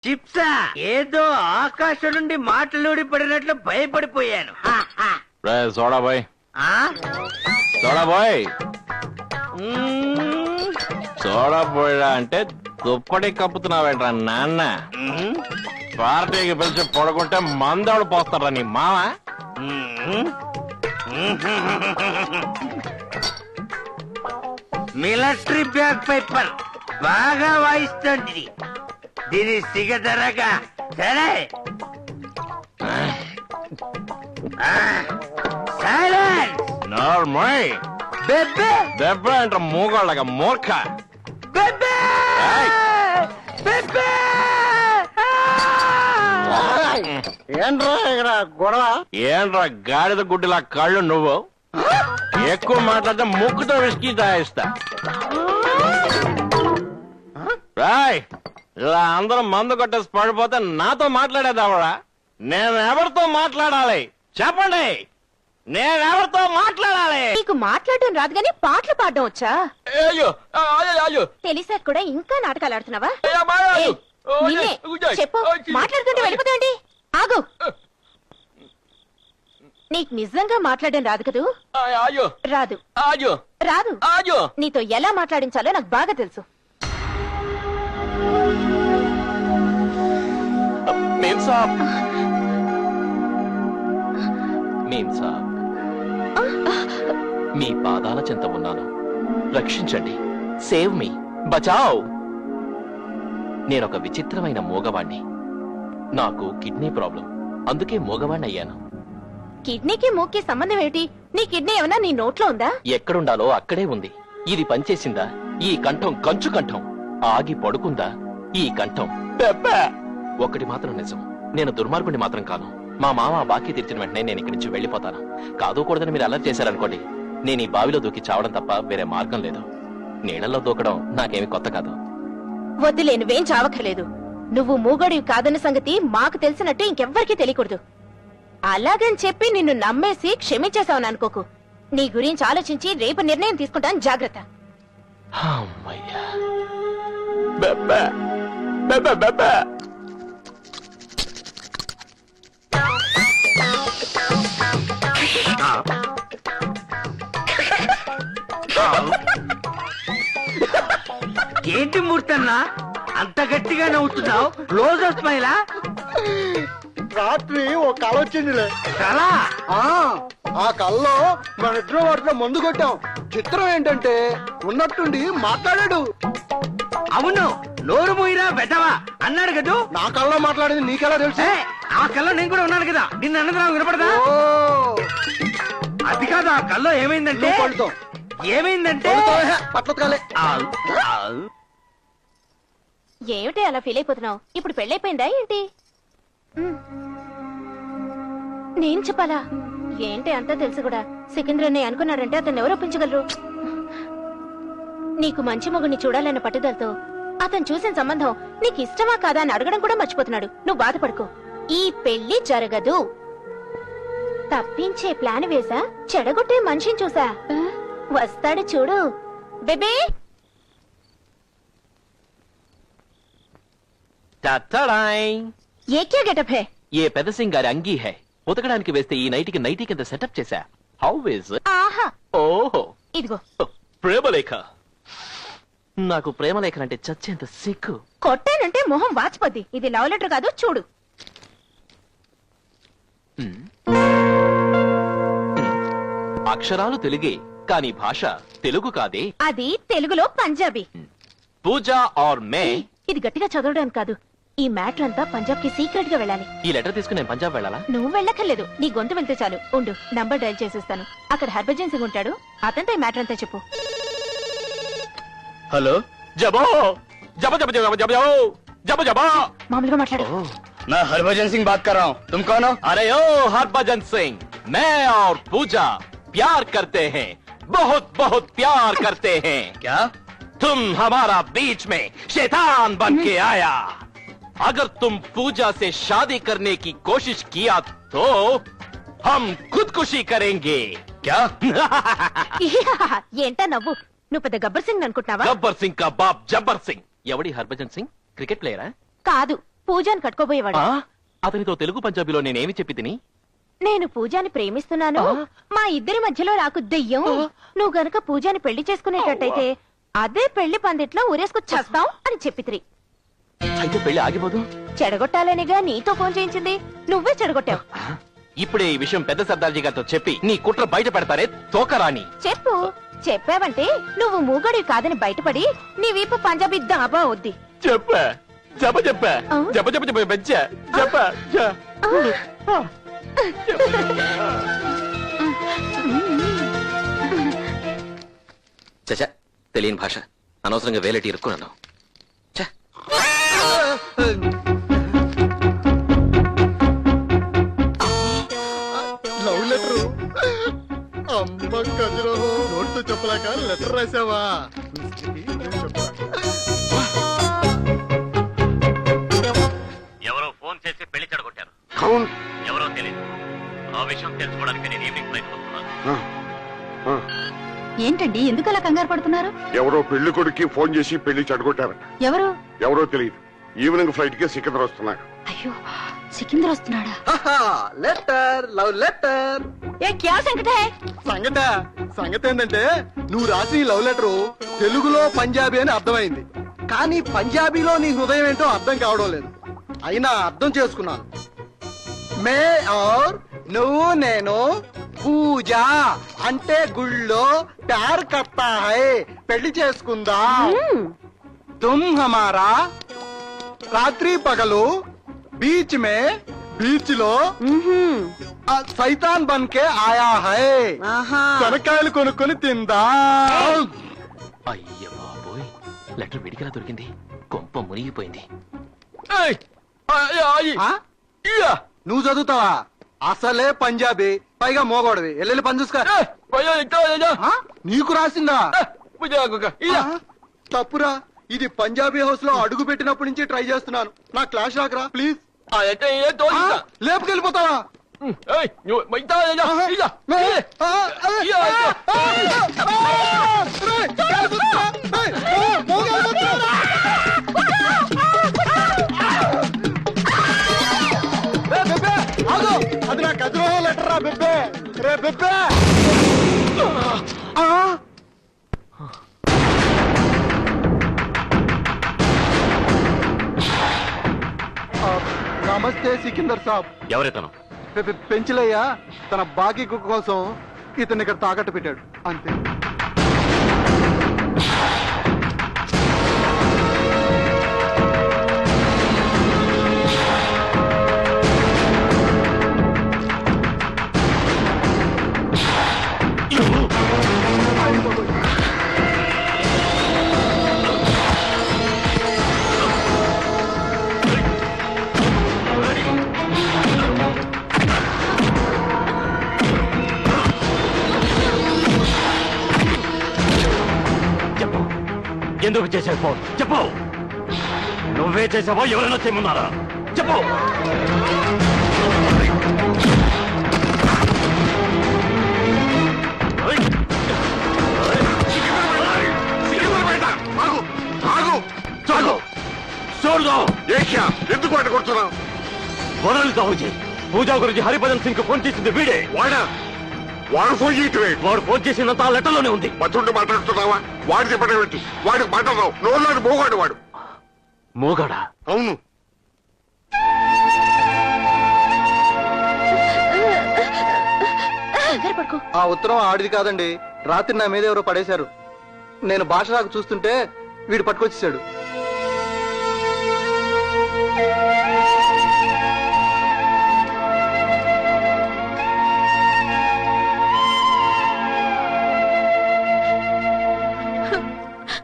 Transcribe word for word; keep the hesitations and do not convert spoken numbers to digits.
చిప్సా ఏదో ఆకాశం నుండి మాటలూడి పడినట్లు భయపడిపోయాను. Soda boy soda boy soda పోయా అంటే దుప్పటి కప్పుతున్నావేంట్రా నాన్న? పార్టీకి పిలిచి పడుకుంటే మందోడు పోస్తారా నీ మామ? మిలిటరీ బ్యాగ్ పేపర్ బాగా వాయిస్తుంది. దీని సిగదరగా సరే నార్మల్ బెబ్బే దెబ్బ అంటే మూగోళ్ళగా మూర్ఖ. బెబ్బే బెబ్బే ఏంట్రా ఇక్కడ గొడవ? ఏంట్రా గాడిద గుడ్డిలా కళ్ళు నువ్వు? ఎక్కువ మాట్లాడితే ముక్కుతో విసికి తాయిస్తా. రాయ్ ఇలా అందరూ మందు కొట్టేసి పడిపోతే నాతో మాట్లాడేదావడా? నేను ఎవరితో మాట్లాడాలి చెప్పండి? నేనెవరితో మాట్లాడాలి? నీకు మాట్లాడడం రాదు గానీ పాటలు పాడడం వచ్చా? అయ్యో అయ్యో తెలిసాక కూడా ఇంకా నాటకాలు ఆడుతున్నావా? అయ్యో నిన్నే చెప్పు, మాట్లాడుతుంటే వెళ్ళిపోతాండి. ఆగు, నీకు నిజంగా మాట్లాడడం రాదు కదూ? అయ్యో రాదు అయ్యో రాదు అయ్యో నీతో ఎలా మాట్లాడించాలో నాకు బాగా తెలుసు. మేం సాబ్ మేం సాబ్ మీ పాదాల చెంత ఉన్నాను, రక్షించండి. సేవ్ మీ, బచావ్. నేనొక విచిత్రమైన మూగవాణ్ణి. నాకు కిడ్నీ ప్రాబ్లం, అందుకే మూగవాణ్ణి అయ్యాను. కిడ్నీకి మూక్కి సంబంధం ఏమిటి? నీ కిడ్నీ ఏమన్నా నీ నోట్లో ఉందా? ఎక్కడుండాలో అక్కడే ఉంది. ఇది పనిచేసిందా? ఈ కంఠం కంచు కంఠం. ఆగి పడుకుందా? ఈ కంఠం పెప్ప. ఒకటి మాత్రం నిజం, నేను దుర్మార్గుని మాత్రం కాను. మా మామ బాకీ తీర్చిన వెంటనే నేను ఇక్కడి నుంచి వెళ్లిపోతాను. కాదుకూడదని మీరు అలర్ట్ చేశారనుకోండి, నేను ఈ బావిలో దూకి చావడం తప్ప వేరే మార్గం లేదు. నీళ్లలో దూకడం నాకేమి కొత్త కాదు. వద్దులే, నువ్వేం చావక్కర్లేదు. నువ్వు మూగడివి కాదన్న సంగతి మాకు తెలిసినట్టు ఇంకెవ్వరికీ తెలియకూడదు. అలాగని చెప్పి నిన్ను నమ్మేసి క్షమించేశావని అనుకోకు. నీ గురించి ఆలోచించి రేపు నిర్ణయం తీసుకుంటాను, జాగ్రత్త. అమ్మయ్యా. బెబ్బే, బెబ్బే, బెబ్బే. ఏంటి మూర్తన్నా అంత గట్టిగా నవ్వుతున్నావు? క్లోజ్ స్మైలా? రాత్రి ఒక కళ వచ్చిందిలే. కళ? ఆ కళ్ళలో మన ఇద్దరు వాటిలో మందు కొట్టాం. చిత్రం ఏంటంటే ఉన్నట్టుండి మాట్లాడాడు. అవును, నోరు మూయిరా బెదవా అన్నాడు కదూ. నా కళ్ళలో మాట్లాడేది నీకెలా తెలుసు? ఏ, ఆ కళ్ళలో నేను కూడా ఉన్నాను కదా, నిన్ను అన్నది వినపడదా? అది కాదు, ఆ కళ్ళలో ఏమైందంటే పడుతాం. ఏమైందంటే పట్లకాలే. ఏమిటి అలా ఫీల్ అయిపోతున్నావు? ఇప్పుడు పెళ్ళైపోయిందా ఏంటి? ఉమ్. నేను చెప్పాలా? ఏంటి అంతా తెలుసు కూడా. సికింద్రని అనుకున్నాడంటే అతన్ని ఎవరు ఒప్పించగలరు? నీకు మంచి మొగుడిని చూడాలన్న పట్టుదలతో అతను చూసిన సంబంధం నీకు ఇష్టమా కాదా అని అడగడం కూడా మర్చిపోతున్నాడు. నువ్వు బాధపడుకో, ఈ పెళ్లి జరగదు. తప్పించే ప్లాన్ వేసా, చెడగొట్టే మనిషిని చూసా. వస్తాడు చూడు బేబీ. ఏ క్యా గెటప్ హై? ఏ పెద్ద సింగ్ గారి అంగీ హై. ఉతకడానికి వేస్తే ఈ నైటికి నైటీ కింద సెటప్ చేశా. How is? ఆహా, ఓహో, ఇదిగో. ప్రేమలేఖ. నాకు ప్రేమలేఖనంటే చచ్చేంత సిగ్గు. కొట్టానంటే మొహం వాచిపోద్ది. ఇది లవ్ లెటర్ కాదు, చూడు. అక్షరాలు తెలుగే, కానీ భాష తెలుగు కాదే. అది తెలుగులో పంజాబీ. పూజా ఆర్ మే. ఇది గట్టిగా చదవడానికి కాదు. ఈ మ్యాటర్ అంతా పంజాబ్ కి సీక్రెట్ గా వెళ్ళాలి. ఈ లెటర్ తీసుకుని నేను పంజాబ్ వెళ్ళాలా? నువ్వు వెళ్ళక్కర్లేదు, నీ గొంతు వెళ్తే చాలు. ఉండు, నంబర్ డైల్ చేసేస్తాను. అక్కడ హర్భజన్ సింగ్ ఉంటాడు, అతనితో ఈ మ్యాటర్ అంతా చెప్పు. హలో, జబో జబ జబ జబ జబ జబ జబ. మామూలుగా మాట్లాడు. मैं हरभजन सिंह बात कर रहा हूँ. तुम कौन हो? अरे ओ हरभजन सिंह, मैं और पूजा प्यार करते हैं, बहुत बहुत प्यार करते हैं. क्या? तुम हमारा बीच में शैतान बन के आया. अगर तुम पूजा से शादी करने की कोशिश किया तो हम खुदकुशी करेंगे. क्या? ఏంటా నవ్వు? నువ్వు పెద్ద గబ్బర్ సింగ్ అనుకుంటున్నావా? గబ్బర్ సింగ్ కా బాప్ జబ్బర్ సింగ్. ఎవడి హర్భజన్ సింగ్? క్రికెట్ ప్లేయరా? కాదు, పూజాని కట్టుకోబోయేవాడు. ఆ? అతనితో తెలుగు పంజాబీలో నేనేమి చెప్పి తిని నేను పూజాని ప్రేమిస్తున్నాను, ఆ? మా ఇద్దరి మధ్యలో రాకు దెయ్యం, ఆ? నువ్వు గనక పూజాని పెళ్లి చేసుకునేటట్టయితే అదే పెళ్లి పందిట్లో ఊరేసుకు చేస్తాం అని చెప్పితిరి. అయితే పెళ్లి ఆగిపోదు. చెడగొట్టాలనిగా నీతో ఫోన్ చేయించింది, నువ్వే చెడగొట్టావు. ఇప్పుడే ఈ విషయం పెద్ద సర్దార్జీ గారితో చెప్పి నీ కుట్ర బయట పెడతారే తోకరాని. చెప్పు, చెప్పావంటే నువ్వు మూగడివి కాదని బయటపడి నీ వీపు పంజాబీ దాబా వద్ది. చెప్పా జప చెప్పా ఆ? జప జప చెప్ప పెంచా చెప్పా చచ తెలియని భాష అనవసరంగా వేలటి ఇరుక్కున్నాను. ఛ! Love letter. అమ్మ కజరో నోట్తో చెప్పలేక లెటర్ రాసావా? ఎవరో ఫోన్ చేసి పెళ్లి చెడగొట్టారు. అవును. ఎవరో తెలియదు. ఆ విషయం తెలుసుకోవడానికి నేను ఈవినింగ్ ఫ్లైట్ వస్తున్నాను. ఏంటండి ఎందుకు అలా కంగారు పడుతున్నారు? ఎవరో పెళ్లి కొడుక్కి ఫోన్ చేసి పెళ్లి చెడగొట్టారట. ఎవరు? ఎవరో తెలియదు. ఈవినింగ్ ఫ్లైట్ కి సికింద్ర వస్తున్నారు. అయ్యో, సికిందర్ వస్తున్నాడా? Letter, love letter. ఏ క్యా సంకట హై? సంగత సంగతి ఏంటంటే నువ్వు రాసిన ఈ లవ్ లెటర్ తెలుగులో పంజాబీ అని అర్థమైంది, కానీ పంజాబీలో నీ హృదయం ఏంటో అర్థం కావడం లేదు. అయినా అర్థం చేసుకున్నాను. మే ఔర్ నువ్వు నేను పూజ అంటే గుళ్ళో ప్యార్ కర్తా హై, పెళ్లి చేసుకుందా. తుమ్ హమారా రాత్రి పగలు బీచ్ మే బీచ్ లో ఆ సైతాన్ బన్ కే ఆయా హై, శనక్కాయలు కొనుక్కొని తిందా. అయ్య బాబోయ్, లెటర్ విడిగా దొరికింది. కొంప మునిగిపోయింది. ఆ? నువ్వు చదువుతావా? అసలే పంజాబీ, పైగా మోగోడవి. ఎల్లెల్లి పని చూసుకో. ఆ? నీకు రాసిందా? ఆ? తప్పురా, ఇది పంజాబీ హౌస్ లో అడుగు పెట్టినప్పటి నుంచి ట్రై చేస్తున్నాను. నా క్లాస్ రాకరా ప్లీజ్. లేపుకెళ్ళిపోతావా? అది నా గదిలో లెటర్ రా బెబ్బే. రే బెబ్బే. నమస్తే సికిందర్ సాబ్. ఎవరెతను? పె- పె- పెంచలయ్య తన బాకీ కుక్క కోసం ఇతన్ని ఇక్కడ తాకట్టు పెట్టాడు అంతే. చెప్పు, ఎందుకు చేశావు ఫోన్? చెప్పు, నువ్వే చేసావో ఎవరైనా చేయమన్నారా? చెప్పు. చూడదు ఏక్యా ఎందుకు వాటి కొడుతున్నావు? వరలు సాహుజీ, పూజా గురించి హరిభజన్ సింగ్ ఫోన్ చేసింది వీడే. వాడా? వాడు ఫోన్ చేయటమే. వాడు ఫోన్ చేసినంత ఆ లెటర్లోనే ఉంది. మతుండి మాట్లాడుతున్నావా? వాడి చెప్పడం పెట్టి వాడికి మాట్లాడదాం. నోళ్ళని మోగాడు వాడు. మోగాడా? అవును. కంగారు పడుకో. ఆ ఉత్తరం ఆడిది కాదండి, రాత్రి నా మీద ఎవరో పడేశారు. నేను భాష రాకు చూస్తుంటే వీడు పట్టుకొచ్చేసాడు.